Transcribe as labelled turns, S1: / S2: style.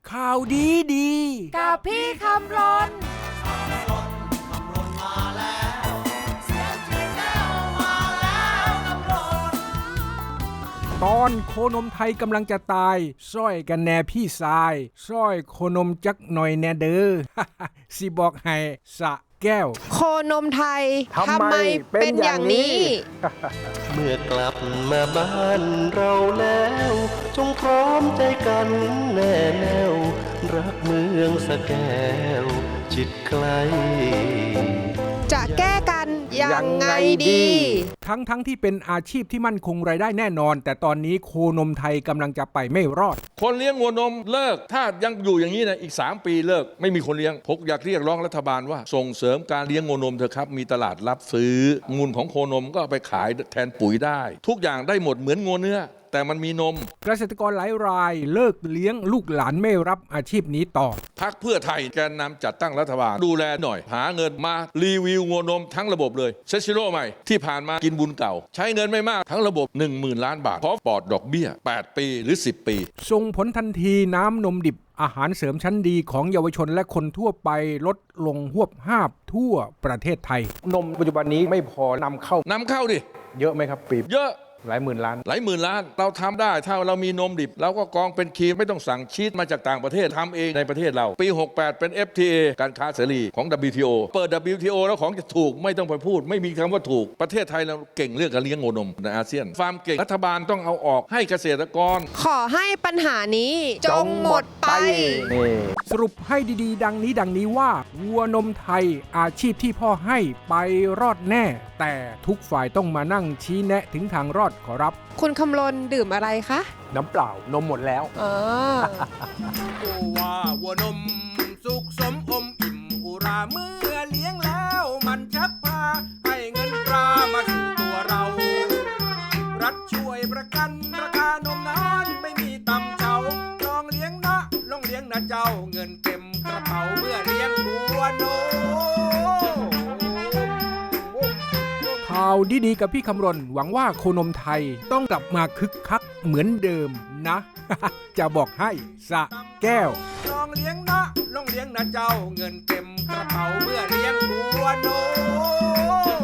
S1: ข่าวดีดี
S2: กับพี่คำรน
S1: ตอนโคนมไทยกำลังจะตายซ้อยกันแน่พี่สายซ้อยโคนมจักหน่อยแน่เด้อ สิบอกให้สะแก้ว
S2: โคนมไทยทำไมเป็นอย่างนี้
S3: เมื่อกลับมาบ้านเราแล้วจงพร้อมใจกันแน่แน่วรักเมืองสะแก้วจิตไกล
S2: จะแก้กันยังไงดี
S1: ทั้งที่เป็นอาชีพที่มั่นคงรายได้แน่นอนแต่ตอนนี้โคนมไทยกำลังจะไปไม่รอด
S4: คนเลี้ยงวัวนมเลิกถ้ายังอยู่อย่างนี้นะอีก3 ปีเลิกไม่มีคนเลี้ยงผมอยากเรียกร้องรัฐบาลว่าส่งเสริมการเลี้ยงวัวนมเถอะครับมีตลาดรับซื้อมูลของโคนมก็เอาไปขายแทนปุ๋ยได้ทุกอย่างได้หมดเหมือนงัวเนื้อแต่มันมีนม
S1: เกษตรกรหลายรายเลิกเลี้ยงลูกหลานไม่รับอาชีพนี้ต่อ
S4: พรรคเพื่อไทยแกนนำจัดตั้งรัฐบาลดูแลหน่อยหาเงินมารีวิวงัวนมทั้งระบบเลยเซซิโร่ใหม่ที่ผ่านมากินบุญเก่าใช้เงินไม่มากทั้งระบบ 10,000 ล้านบาทพร้อมปลอดดอกเบี้ย8 ปีหรือ10 ปี
S1: ส่งผลทันทีน้ำนมดิบอาหารเสริมชั้นดีของเยาวชนและคนทั่วไปลดลงหวบห้าบทั่วประเทศไทยนมปัจจุบันนี้ไม่พอนำเข้า
S4: ดิ
S1: เยอะไหมครับปี
S4: เยอะ
S1: หลายหมื่นล้าน
S4: เราทำได้ถ้าเรามีนมดิบเราก็กองเป็นครีมไม่ต้องสั่งชีสมาจากต่างประเทศทำเองในประเทศเราปี68เป็น FTA การค้าเสรีของ WTO เปิด WTO แล้วของจะถูกไม่ต้องไปพูดไม่มีคำว่าถูกประเทศไทยเราเก่งเรื่องการเลี้ยงวัวนมในอาเซียนฟาร์มเก่งรัฐบาลต้องเอาออกให้เกษตรกร
S2: ขอให้ปัญหานี้จงหมดไป
S1: สรุปให้ดีๆดังนี้ว่าวัวนมไทยอาชีพที่พ่อให้ไปรอดแน่แต่ทุกฝ่ายต้องมานั่งชี้แนะถึงทางรอดขอรับ
S2: คุณคำรณดื่มอะไรคะ
S1: น้ำเปล่านมหมดแล้ว
S5: ว่าวัวนมสุขสมอมอิ่มอุราเมื่อเลี้ยงแล้วมันชักพาให้เงินตรามาสู่ตัวเรารัฐช่วยประกันราคานมนานไม่มีต่ำเจ้าลองเลี้ยงนะเจ้าเงินเต็มกระเป๋าเมื่อเลี้ยงวัวนม
S1: ข่าวดีๆกับพี่คำรณหวังว่าโคนมไทยต้องกลับมาคึกคักเหมือนเดิมนะ จะบอกให้สะแก้ว
S5: ลองเลี้ยงนะเจ้าเงินเต็มกระเป๋าเมื่อเลี้ยงวัวนม